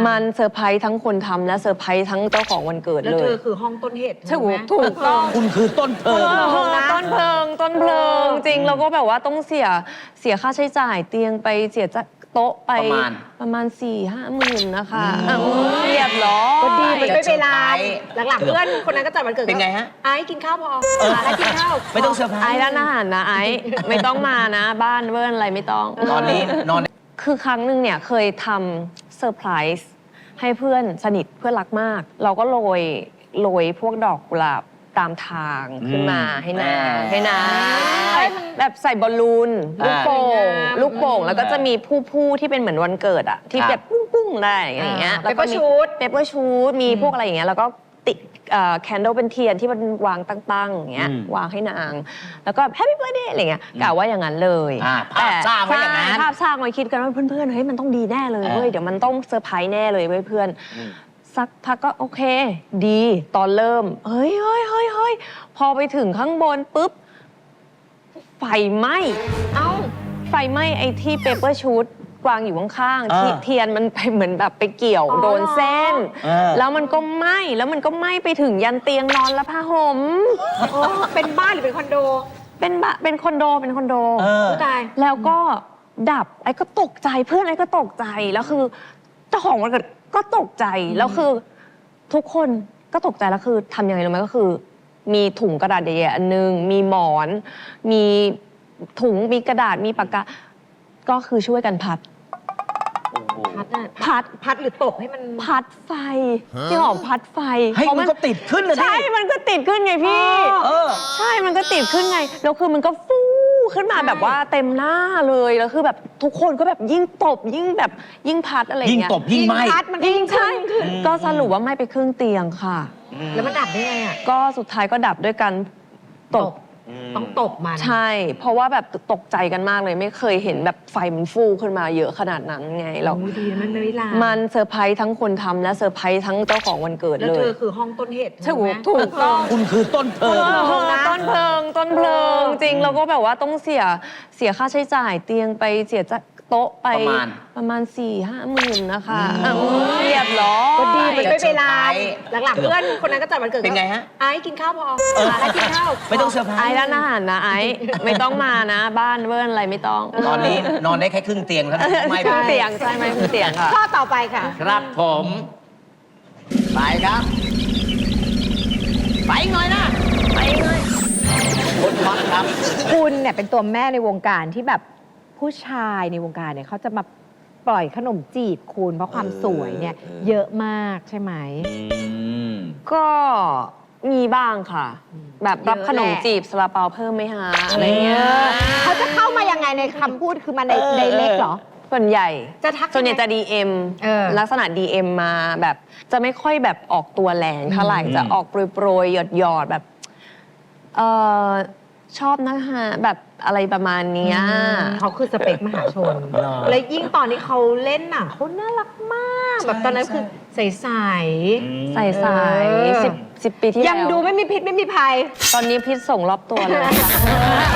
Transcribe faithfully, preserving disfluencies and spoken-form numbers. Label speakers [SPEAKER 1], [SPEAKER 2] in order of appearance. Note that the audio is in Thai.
[SPEAKER 1] มันเซอร์ไพรส์ทั้งคนทำและเซอร์ไพรส์ทั้งเจ้าของวันเกิดเลยแล้ว
[SPEAKER 2] เธอคือห้องต้นเหตุ
[SPEAKER 1] ถูกถูกต้อง
[SPEAKER 3] คุณคือต้นเพลิง
[SPEAKER 1] ต้นเพลิงต้นเพลิงจริงแล้วก็แบบว่าต้องเสียเสียค่าใช้จ่ายเตียงไปเสียโต๊ะไป
[SPEAKER 3] ประมาณ
[SPEAKER 1] ประมาณสี่ห้าหมื่นนะคะเรียบร้อย
[SPEAKER 2] ก็ดีมันไม่เวลาหลังๆเพื่อนคนนั้นก็จัดวันเกิด
[SPEAKER 3] เป็นไงฮะ
[SPEAKER 2] ไอ้กินข้าวพอไอ้กินข้าว
[SPEAKER 3] ไม่ต้องเซอร์ไพรส์
[SPEAKER 1] ไอ้ร้านอาหารนะไอ้ไม่ต้องมานะบ้านเวิร์นอะไรไม่ต้อง
[SPEAKER 3] ตอนนี้นอน
[SPEAKER 1] คือครั้งหนึ่งเนี่ยเคยทำเซอร์ไพรส์ให้เพื่อนสนิทเพื่อนรักมากเราก็โรยโรยพวกดอกกุหลาบตามทางขึ้นมาให้นางให้นางแบบใส่บอลลูนลูกโป่งลูกโป่งแล้วก็จะมีผู้ผู้ที่เป็นเหมือนวันเกิดอะที่แบบปุ้งปุ้งได้อย่างเงี้ย
[SPEAKER 2] แล้วก็ชูด
[SPEAKER 1] เปเปอร์ชูดมีพวกอะไรอย่างเงี้ยแล้วก็ติดแคนเดลเป็นเทียนที่มันวางตั้งๆอย่างเงี้ยวางให้นางแล้วก็แฮปปี้เบิร์ธเดย์อะไรเงี้ยกะว่าอย่างนั้นเลย
[SPEAKER 3] ภาพสร้างไว้อย่างนั้น
[SPEAKER 1] ภาพสร้างไว้คิดกันว่าเพื่อนๆเฮ้ยมันต้องดีแน่เลยเว้ยเดี๋ยวมันต้องเซอร์ไพรส์แน่เลยเว้ยเพื่อนสักพักก็โอเคดีตอนเริ่มเฮ้ยเฮ้ยเฮ้ยเฮ้ยพอไปถึงข้างบนปุ๊บไฟไหม้เอ้าไฟไหม้ไอ้ที่เปเปอร์ชูดวางอยู่ข้างๆเทียนมันไปเหมือนแบบไปเกี่ยวโดนเส้นแล้วมันก็ไหม้แล้วมันก็ไหม้ไปถึงยันเตียงนอนและผ้าห่ม
[SPEAKER 2] เป็นบ้านหรือเป็นคอนโด
[SPEAKER 1] เป็นบ้านเป็นคอนโดเป็นคอนโด
[SPEAKER 2] ตาย
[SPEAKER 1] แล้วก็ดับไอ้ก็ตกใจเพื่อนไอ้ก็ตกใจแล้วคือเจ้าของวันเกิดก็ตกใจแล้วคือทุกคนก็ตกใจแล้วคือทำยังไงรู้ไหมก็คือมีถุงกระดาษใหญ่ๆอันนึงมีหมอนมีถุงมีกระดาษมีปากกาก็คือช่วยกันพัด
[SPEAKER 2] พัดพัดพัดหรือตบให้มัน
[SPEAKER 1] พัดไฟที่หอมพัดไฟ
[SPEAKER 3] ให้มันก็ติดขึ้นเลย
[SPEAKER 1] ใช่มันก็ติดขึ้นไงพี่ใช่มันก็ติดขึ้นไงแล้วคือมันก็ฟูขึ้นมาแบบว่าเต็มหน้าเลยแล้วคือแบบทุกคนก็แบบยิ่งตบยิ่งแบบยิ่งพัดอะไรเงี้ย
[SPEAKER 3] ยิ่งตบยิ่งไหม้
[SPEAKER 1] ยิ่งใช่ก็สรุปว่าไหม้ไปครึ่งเตียงค่ะ
[SPEAKER 2] แล้วมันดับได้ไงอ่ะ
[SPEAKER 1] ก็สุดท้ายก็ดับด้วยกันตบ
[SPEAKER 2] ต้องตบมัน
[SPEAKER 1] ใช่เพราะว่าแบบตกใจกันมากเลยไม่เคยเห็นแบบไฟมันฟูขึ้นมาเยอะขนาดนั้นไงเรา
[SPEAKER 2] ดีมันไม่ลา
[SPEAKER 1] มันเซอร์ไพรส์ทั้งคนทำและเซอร์ไพรส์ทั้งเจ้าของวันเกิดเลย
[SPEAKER 2] แล้วเธอคือห้องต้นเหตุ
[SPEAKER 1] ถูกถูกต้อง
[SPEAKER 3] คุณคือต้นเพลิง
[SPEAKER 1] ต้นเพลิงต้นเพลิงจริงแล้วก็แบบว่าต้องเสียเสียค่าใช้จ่ายเตียงไปเสียโต๊ะไป
[SPEAKER 3] ประมาณ
[SPEAKER 1] ประมาณสี่ห้าหมื่นนะคะเรียบร้อย
[SPEAKER 2] ก็ดีมันไม่เวลาหลังๆเพื่อนคนนั้นก็จัดวันเกิด
[SPEAKER 3] เป็นไงฮะ
[SPEAKER 2] ไอ้กินข้าวพอไอ้กินข้าว
[SPEAKER 3] ไม่ต้องเซอร์ไพรส์
[SPEAKER 1] ไอ้ร้านอาหารนะไอ้ไม่ต้องมานะบ้านเวิร์นอะไรไม่ต้อง
[SPEAKER 3] ตอนนี้นอนได้แค่ครึ่งเตียงแล้ว
[SPEAKER 1] ไม่ครึ่งเตียงใช่ไหมครึ่งเตียงค่ะ
[SPEAKER 2] ข้อต่อไปค่ะ
[SPEAKER 3] ครับผมไปครับไปหน่อยนะ
[SPEAKER 1] ไปหน่อย
[SPEAKER 3] คุณท็อปครับ
[SPEAKER 2] คุณเนี่ยเป็นตัวแม่ในวงการที่แบบผู้ชายในวงการเนี่ยเขาจะมาปล่อยขนมจีบคุณเพราะความสวยเนี่ยเยอะมากใช่ไหม
[SPEAKER 1] ก็มีบ้างค่ะแบบรับขนมจีบซาลาเปาเพิ่มไหมฮะอะไรเงี้ย
[SPEAKER 2] เขาจะเข้ามายังไงในคำพูดคือมาในในเล็กเหรอ
[SPEAKER 1] ส่วนใหญ่
[SPEAKER 2] จะทัก
[SPEAKER 1] ส่วนใหญ่จะ ดี เอ็ม ลักษณะ ดี เอ็ม มาแบบจะไม่ค่อยแบบออกตัวแรงเท่าไหร่จะออกโปรยๆหยอดๆแบบเออชอบนะคะแบบอะไรประมาณนี้
[SPEAKER 2] เขาคือสเปคมหาชนแล้วยิ่งตอนที่เขาเล่นหนังเขาน่ารักมากแบบตอนนั้นคือใสใส
[SPEAKER 1] ใสใสสิบสิบปีที่แล้ว
[SPEAKER 2] ยังดูไม่มีพิษไม่มีภัย
[SPEAKER 1] ตอนนี้พิษส่งรอบตัวเลยค่ะ